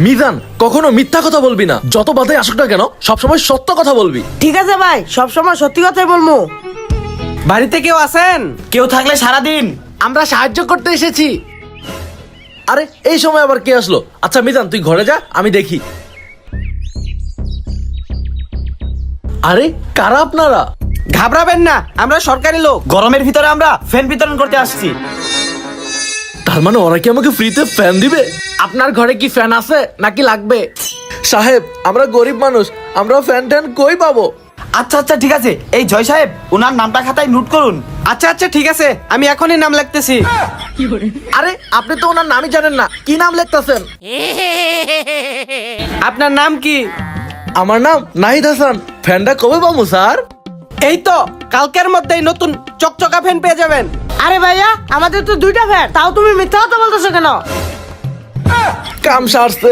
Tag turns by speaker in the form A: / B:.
A: মিজান, কখনো মিথ্যা কথা বলবি না। যত বাধাই আসুক না কেন, সবসময় সত্য কথা বলবি।
B: ঠিক আছে ভাই, সবসময় সত্যি কথাই বলবো।
C: বাড়িতে কেউ আছেন?
D: কেউ থাকলে সারাদিন
A: আমরা সাহায্য করতে এসেছি। আরে এই সময় আবার কে আসলো? আচ্ছা মিজান, তুই ঘরে যা, আমি দেখি। আরে কারা আপনারা?
C: ঘাবড়াবেন না, আমরা সরকারি লোক।
D: গরমের ভিতরে আমরা ফ্যান বিতরণ করতে আসছি।
A: তার মানে ওরা কি আমাকে ফ্রিতে ফ্যান দিবে? আপনার ঘরে কি ফ্যান আছে নাকি লাগবে? সাহেব, আমরা গরিব মানুষ, আমরা ফ্যান ট্যান কই পাবো?
D: আচ্ছা আচ্ছা ঠিক আছে, এই জয় সাহেব ওনার নামটা খাতায় নোট করুন।
C: আচ্ছা আচ্ছা ঠিক আছে, আমি এখনই নাম লিখতেছি।
A: আরে আপনি তো ওনার নামই জানেন না, কি নাম লিখতেছেন?
C: আপনার নাম কি?
A: আমার নাম নাহিদ হাসান। ফ্যানটা কবে পাবো স্যার?
C: এই তো কালকের মধ্যেই নতুন চকচকা ফ্যান পেয়ে যাবেন।
B: আরে ভাইয়া, আমাদের তো 2টা ফ্যান, তাও তুমি মিথ্যা কথা বলতেছো কেন?
A: কাম সারছে।